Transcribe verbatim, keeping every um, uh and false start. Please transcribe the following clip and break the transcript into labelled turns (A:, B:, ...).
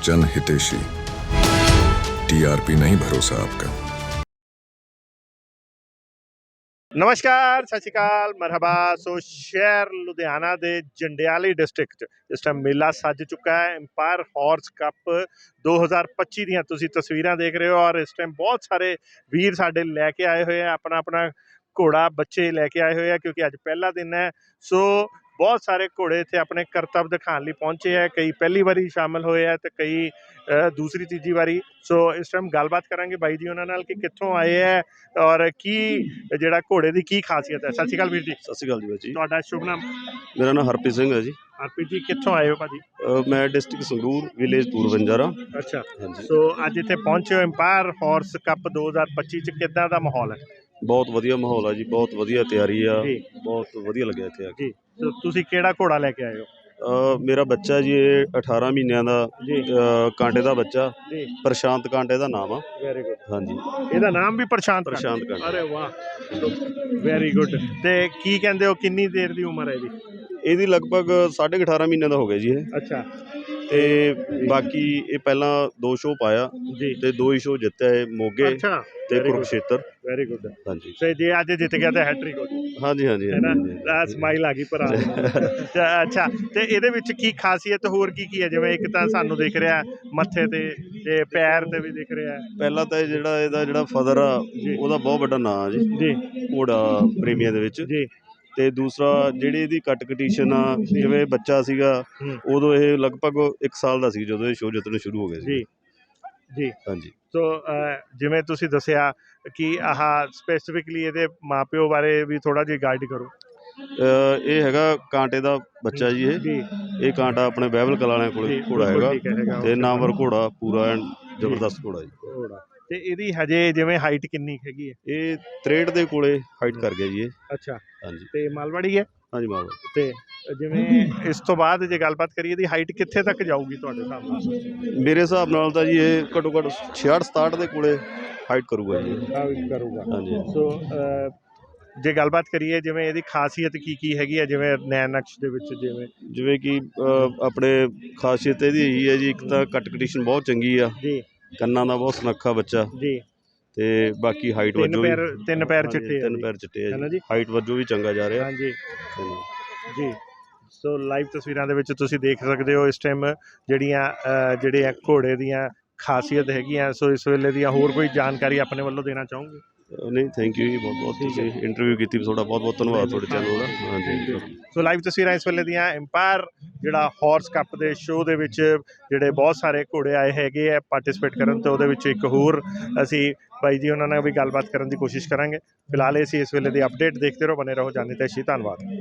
A: जन हितेशी। टीआरपी नहीं भरोसा आपका।
B: नमस्कार, सत श्री अकाल, मरहबा। सो शहर लुधियाना के जंडियाली डिस्ट्रिक्ट इस टाइम मेला सज चुका है। एम्पायर हॉर्स कप दो हज़ार पच्ची दियां तुसीं तस्वीरां देख रहे हो और इस टाइम बहुत सारे वीर साडे लैके आए हुए हैं अपना अपना घोड़ा, बच्चे लैके आए हुए हैं क्योंकि अज पहला दिन है। सो बहुत सारे घोड़े इत्थे अपने करतब दिखाने लई पहुंचे हैं। कई पहली बारी शामिल होए हैं तो कई अ, दूसरी तीजी बारी। सो इस टाइम गलबात करांगे बाई जी उन्हां नाल कि कित्थों आए हैं और की ਜਿਹੜਾ ਘੋੜੇ ਦੀ ਕੀ ਖਾਸੀਅਤ ਹੈ। ਸਤਿ ਸ਼੍ਰੀ ਅਕਾਲ ਵੀਰ ਜੀ।
C: ਸਤਿ ਸ਼੍ਰੀ ਅਕਾਲ ਜੀ ਬਾਈ ਜੀ।
B: ਤੁਹਾਡਾ ਸ਼ੁਭ ਨਾਮ?
C: ਮੇਰਾ ਨਾਮ ਹਰਪ੍ਰੀਤ ਸਿੰਘ ਹੈ ਜੀ।
B: ਹਰਪ੍ਰੀਤ ਜੀ ਕਿੱਥੋਂ ਆਏ ਹੋ ਭਾਜੀ?
C: ਅ, ਮੈਂ ਡਿਸਟ੍ਰਿਕਟ ਸੰਗਰੂਰ ਵਿਲੇਜ ਪੂਰ ਬੰਜਾਰਾ।
B: ਅੱਛਾ,
C: ਹਾਂਜੀ,
B: ਸੋ ਅੱਜ ਇੱਥੇ ਪਹੁੰਚੇ ਹੋ ਐਮਪਾਇਰ ਹਾਰਸ ਕੱਪ ਦੋ ਹਜ਼ਾਰ ਪੱਚੀ ਚ, ਕਿੱਦਾਂ ਦਾ ਮਾਹੌਲ ਹੈ?
C: ਬਹੁਤ ਵਧੀਆ ਮਾਹੌਲ ਆ ਜੀ, ਬਹੁਤ ਵਧੀਆ ਤਿਆਰੀ ਆ,
B: ਜੀ
C: ਬਹੁਤ ਵਧੀਆ ਲੱਗਿਆ ਇੱਥੇ ਆ ਕੇ।
B: ਜੀ। ਸੋ ਤੁਸੀਂ ਕਿਹੜਾ ਘੋੜਾ ਲੈ ਕੇ ਆਏ ਹੋ?
C: ਅ, ਮੇਰਾ ਬੱਚਾ ਜੀ ਇਹ ਅਠਾਰਾਂ ਮਹੀਨਿਆਂ ਦਾ
B: ਜੀ
C: ਅ, ਕਾਂਟੇ ਦਾ ਬੱਚਾ,
B: ਜੀ,
C: ਪ੍ਰਸ਼ਾਂਤ ਕਾਂਟੇ ਦਾ ਨਾਮ ਆ।
B: Very good.
C: ਹਾਂਜੀ,
B: ਇਹਦਾ ਨਾਮ ਵੀ ਪ੍ਰਸ਼ਾਂਤ ਕਾਂਟੇ?
C: ਪ੍ਰਸ਼ਾਂਤ ਕਾਂਟੇ।
B: ਅਰੇ ਵਾਹ, ਵੈਰੀ ਗੁੱਡ। ਤੇ ਕੀ ਕਹਿੰਦੇ ਹੋ, ਕਿੰਨੀ ਦੇਰ ਦੀ ਉਮਰ ਹੈ ਇਹਦੀ?
C: ਇਹਦੀ ਲਗਭਗ ਸਾਢੇ ਕੁ ਅਠਾਰਾਂ ਮਹੀਨਿਆਂ ਦਾ ਹੋ ਗਿਆ ਜੀ ਇਹ।
B: ਅੱਛਾ
C: ਤੇ ਬਾਕੀ ਇਹ ਪਹਿਲਾਂ ਦੋ ਸ਼ੋਅ ਪਾਇਆ
B: ਜੀ।
C: ਤੇ ਦੋ ਹੀ ਸ਼ੋਅ ਜਿੱਤਿਆ ਇਹ, ਮੋਗੇ
B: ਅੱਛਾ,
C: ਤੇ ਕੁਰੂਕਸ਼ੇਤਰ।
B: Very good.
C: ਹਾਂਜੀ
B: ਤੇ ਜੇ ਅੱਜ ਜਿੱਤ ਗਿਆ ਤਾਂ ਹੈਟ੍ਰਿਕ ਹੋ ਜੂ,
C: ਹਾਂਜੀ ਹਾਂਜੀ
B: ਹੈ ਨਾ?
C: ਹਾਂਜੀ।
B: ਆ ਸਮਾਈਲ ਆ ਗਈ ਭਰਾ ਦੀ। ਤੇ ਅੱਛਾ, ਤੇ ਇਹਦੇ ਵਿੱਚ ਕੀ ਖਾਸੀਅਤ ਹੋਰ ਕੀ ਕੀ ਹੈ? ਜਿਵੇਂ ਇੱਕ ਤਾਂ ਸਾਨੂੰ ਦਿਖ ਰਿਹਾ ਮੱਥੇ ਤੇ ਤੇ ਪੈਰ ਤੇ ਵੀ ਦਿਖ ਰਿਹਾ।
C: ਪਹਿਲਾਂ ਤਾਂ ਇਹ ਜਿਹੜਾ ਇਹਦਾ ਜਿਹੜਾ ਫਦਰ ਆ
B: ਜੀ।
C: ਉਹਦਾ ਬਹੁਤ ਵੱਡਾ ਨਾਂ ਆ ਜੀ
B: ਜੀ
C: ਘੋੜਾ ਪ੍ਰੇਮੀਆਂ ਦੇ ਵਿੱਚ।
B: ਜੀ।
C: ਤੇ ਦੂਸਰਾ ਜਿਹੜੀ ਇਹਦੀ ਕੱਟ ਕਟੀਸ਼ਨ ਆ, ਜਿਵੇਂ ਬੱਚਾ ਸੀਗਾ
B: ਹੂੰ।
C: ਉਦੋਂ ਇਹ ਲਗਭਗ ਇੱਕ ਸਾਲ ਦਾ ਸੀ ਜਦੋਂ ਇਹ ਸ਼ੋਅ ਜਿੱਤਣੇ ਸ਼ੁਰੂ ਹੋ ਗਏ ਸੀ।
B: ਜੀ ਜੀ।
C: ਹਾਂਜੀ।
B: ਸੋ ਅ, ਜਿਵੇਂ ਤੁਸੀਂ ਦੱਸਿਆ ਕਿ ਆਹ ਸਪੈਸੀਫਿਕਲੀ ਇਹਦੇ ਮਾਪਿਓ ਬਾਰੇ ਵੀ ਥੋੜ੍ਹਾ ਜਿਹਾ ਗਾਈਡ ਕਰੋ।
C: ਅ, ਇਹ ਹੈਗਾ ਕਾਂਟੇ ਦਾ ਬੱਚਾ ਜੀ। ਇਹ
B: ਜੀ
C: ਇਹ ਕਾਂਟਾ ਆਪਣੇ ਬਹਿਬਲ ਕਲਾਂ ਵਾਲਿਆਂ ਕੋਲ
B: ਜੀ,
C: ਘੋੜਾ
B: ਬਿਲਕੁਲ
C: ਹੈਗਾ
B: ਠੀਕ ਹੈ, ਹੈਗਾ
C: ਤੇ
B: ਉਹ
C: ਨਾਮਵਰ ਘੋੜਾ, ਪੂਰਾ ਐਨ ਜ਼ਬਰਦਸਤ ਘੋੜਾ ਜੀ।
B: ਘੋੜਾ। ਤੇ ਇਹਦੀ ਹਜੇ ਜਿਵੇਂ ਹਾਈਟ ਕਿੰਨੀ ਹੈਗੀ ਹੈ?
C: ਇਹ ਤਰੇਹਠ ਦੇ ਕੋਲੇ ਹਾਈਟ ਕਰ ਗਿਆ ਜੀ ਇਹ।
B: ਅੱਛਾ,
C: ਹਾਂਜੀ
B: ਤੇ ਮਾਲਵਾੜੀ ਹੈ?
C: ਹਾਂਜੀ ਮਾਵਾ।
B: ਤੇ ਜਿਵੇਂ ਇਸ ਤੋਂ ਬਾਅਦ ਜੇ ਗੱਲਬਾਤ ਕਰੀਏ ਇਹਦੀ ਹਾਈਟ ਕਿੱਥੇ ਤੱਕ ਜਾਊਗੀ ਤੁਹਾਡੇ ਹਿਸਾਬ ਨਾਲ?
C: ਮੇਰੇ ਹਿਸਾਬ ਨਾਲ ਤਾਂ ਜੀ ਇਹ ਘੱਟੋ ਘੱਟ ਛਿਆਹਠ ਸਤਾਹਠ ਦੇ ਕੋਲੇ ਹਾਈਟ ਕਰੂਗਾ ਜੀ ਇਹ।
B: ਹਾਈਟ ਕਰੂਗਾ।
C: ਹਾਂਜੀ।
B: ਸੋ ਅ, ਜੇ ਗੱਲਬਾਤ ਕਰੀਏ ਜਿਵੇਂ ਇਹਦੀ ਖਾਸੀਅਤ ਕੀ ਕੀ ਹੈਗੀ ਹੈ, ਜਿਵੇਂ ਨੈਣ ਨਕਸ਼ ਦੇ ਵਿੱਚ ਜਿਵੇਂ
C: ਜਿਵੇਂ ਕਿ ਅ, ਆਪਣੇ ਖਾਸੀਅਤ ਇਹਦੀ ਇਹੀ ਹੈ ਜੀ, ਇੱਕ ਤਾਂ ਕੱਟ ਕਟੀਸ਼ਨ ਬਹੁਤ ਚੰਗੀ ਆ,
B: ਜੀ
C: ਕੰਨਾਂ ਦਾ ਬਹੁਤ ਸੁਨੱਖਾ ਬੱਚਾ,
B: ਜੀ।
C: ਤੇ ਬਾਕੀ ਹਾਈਟ
B: ਤਿੰਨ
C: ਵਜੋਂ ਵੀ
B: ਪੈਰ ਤਿੰਨ ਪੈਰ
C: ਹਾਂਜੀ,
B: ਚਿੱਟੇ ਆ
C: ਤਿੰਨ
B: ਜੀ,
C: ਪੈਰ ਚਿੱਟੇ ਆ
B: ਹੈ ਨਾ
C: ਜੀ,
B: ਜੀ?
C: ਹਾਈਟ ਵਜੋਂ ਵੀ ਚੰਗਾ ਜਾ ਰਿਹਾ।
B: ਹਾਂਜੀ
C: ਹਾਂਜੀ।
B: ਜੀ। ਸੋ ਲਾਈਵ ਤਸਵੀਰਾਂ ਦੇ ਵਿੱਚ ਤੁਸੀਂ ਦੇਖ ਸਕਦੇ ਹੋ ਇਸ ਟਾਈਮ ਜਿਹੜੀਆਂ ਅ, ਜਿਹੜੇ ਆ ਘੋੜੇ ਦੀਆਂ ਖਾਸੀਅਤ ਹੈਗੀਆਂ। ਸੋ ਇਸ ਵੇਲੇ ਦੀਆਂ ਹੋਰ ਕੋਈ ਜਾਣਕਾਰੀ ਆਪਣੇ ਵੱਲੋਂ ਦੇਣਾ ਚਾਹੋਗੇ?
C: ਅ, ਨਹੀਂ, ਥੈਂਕ ਯੂ ਜੀ, ਬਹੁਤ ਬਹੁਤ
B: ਠੀਕ ਹੈ।
C: ਤੁਸੀਂ ਇੰਟਰਵਿਊ ਕੀਤੀ, ਤੁਹਾਡਾ ਬਹੁਤ ਬਹੁਤ ਧੰਨਵਾਦ ਤੁਹਾਡੇ ਚੈਨਲ ਦਾ। ਹਾਂਜੀ।
B: ਸੋ ਲਾਈਵ ਤਸਵੀਰਾਂ ਇਸ ਵੇਲੇ ਦੀਆਂ ਐਮਪਾਇਰ ਜਿਹੜਾ ਹਾਰਸ ਕੱਪ ਦੇ ਸ਼ੋਅ ਦੇ ਵਿੱਚ ਜਿਹੜੇ ਬਹੁਤ ਸਾਰੇ ਘੋੜੇ ਆਏ ਹੈਗੇ ਆ ਪਾਰਟਿਸਿਪੇਟ ਕਰਨ, ਤੇ ਉਹਦੇ ਵਿੱਚ ਇੱਕ ਹੋਰ ਅਸੀਂ ਬਾਈ ਜੀ ਉਹਨਾਂ ਨਾਲ ਵੀ ਗੱਲਬਾਤ ਕਰਨ ਦੀ ਕੋਸ਼ਿਸ਼ ਕਰਾਂਗੇ। ਫਿਲਹਾਲ ਅਸੀਂ ਇਸ ਵੇਲੇ ਦੀ ਅਪਡੇਟ ਦੇਖਦੇ ਰਹੋ, ਬਨੇ ਰਹੋ ਜਾਨੀ ਤੈਸ਼ੀ। ਧੰਨਵਾਦ।